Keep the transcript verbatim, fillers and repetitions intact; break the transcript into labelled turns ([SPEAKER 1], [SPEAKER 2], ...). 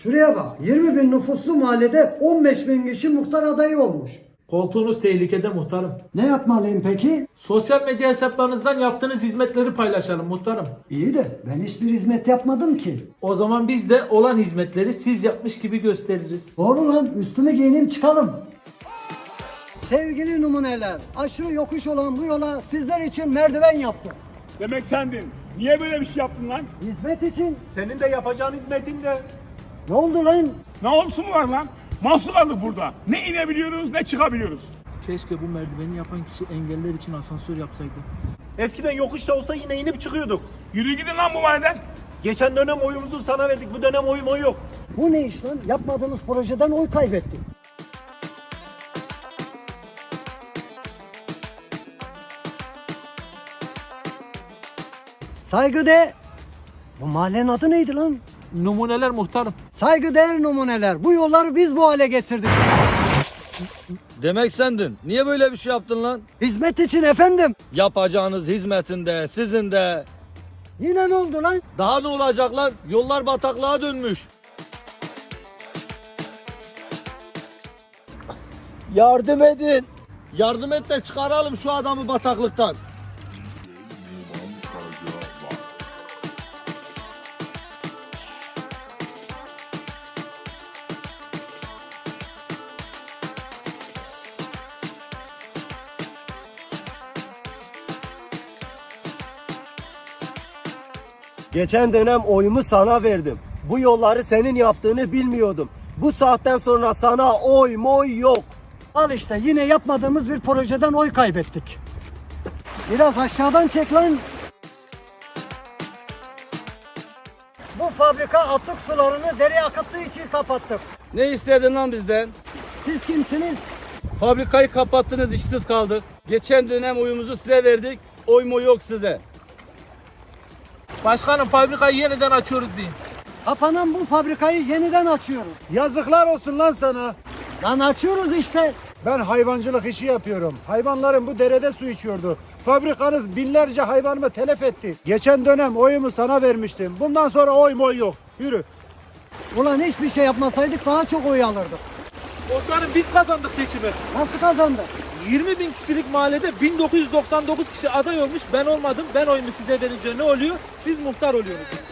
[SPEAKER 1] Şuraya bak, yirmi bin nüfuslu mahallede on beş bin kişi muhtar adayı olmuş.
[SPEAKER 2] Koltuğunuz tehlikede muhtarım.
[SPEAKER 1] Ne yapmalıyım peki?
[SPEAKER 2] Sosyal medya hesaplarınızdan yaptığınız hizmetleri paylaşalım muhtarım.
[SPEAKER 1] İyi de ben hiçbir hizmet yapmadım ki.
[SPEAKER 2] O zaman biz de olan hizmetleri siz yapmış gibi gösteririz.
[SPEAKER 1] Doğru lan, üstümü giyineyim çıkalım. Sevgili numuneler, aşırı yokuş olan bu yola sizler için merdiven yaptım.
[SPEAKER 3] Demek sendin. Niye böyle bir şey yaptın lan?
[SPEAKER 1] Hizmet için.
[SPEAKER 4] Senin de yapacağın hizmetin de.
[SPEAKER 1] Ne oldu lan?
[SPEAKER 3] Ne olsun var lan? Mahsur kaldık burada. Ne inebiliyoruz ne çıkabiliyoruz.
[SPEAKER 2] Keşke bu merdiveni yapan kişi engeller için asansör yapsaydı.
[SPEAKER 4] Eskiden yokuşta olsa yine inip çıkıyorduk.
[SPEAKER 3] Yürü gidin lan bu mahalleden.
[SPEAKER 4] Geçen dönem oyumuzu sana verdik. Bu dönem oyum oy yok.
[SPEAKER 1] Bu ne iş lan? Yapmadığımız projeden oy kaybettik. Saygıdeğer. Bu mahallenin adı neydi lan?
[SPEAKER 2] Numuneler muhtarım.
[SPEAKER 1] Saygıdeğer numuneler. Bu yolları biz bu hale getirdik.
[SPEAKER 5] Demek sendin. Niye böyle bir şey yaptın lan?
[SPEAKER 1] Hizmet için efendim.
[SPEAKER 5] Yapacağınız hizmetinde, sizin de.
[SPEAKER 1] Yine ne oldu lan?
[SPEAKER 5] Daha ne olacak lan? Yollar bataklığa dönmüş. Yardım edin. Yardım et de çıkaralım şu adamı bataklıktan.
[SPEAKER 4] Geçen dönem oyumu sana verdim. Bu yolları senin yaptığını bilmiyordum. Bu saatten sonra sana oy moy yok.
[SPEAKER 1] Al işte yine yapmadığımız bir projeden oy kaybettik. Biraz aşağıdan çek lan. Bu fabrika atık sularını dereye akıttığı için kapattık.
[SPEAKER 5] Ne istedin lan bizden?
[SPEAKER 1] Siz kimsiniz?
[SPEAKER 5] Fabrikayı kapattınız, işsiz kaldık. Geçen dönem oyumuzu size verdik. Oy mu yok size.
[SPEAKER 2] Başkanım fabrikayı yeniden açıyoruz deyin.
[SPEAKER 1] Kapanan bu fabrikayı yeniden açıyoruz.
[SPEAKER 6] Yazıklar olsun lan sana.
[SPEAKER 1] Lan açıyoruz işte.
[SPEAKER 6] Ben hayvancılık işi yapıyorum. Hayvanlarım bu derede su içiyordu. Fabrikanız binlerce hayvanımı telef etti. Geçen dönem oyumu sana vermiştim. Bundan sonra oy moy yok. Yürü.
[SPEAKER 1] Ulan hiçbir şey yapmasaydık daha çok oy alırdık.
[SPEAKER 2] Muhtarım biz kazandık seçimi.
[SPEAKER 1] Nasıl kazandık?
[SPEAKER 2] yirmi bin kişilik mahallede bin dokuz yüz doksan dokuz kişi aday olmuş. Ben olmadım. Ben oyumu size verince ne oluyor? Siz muhtar oluyorsunuz.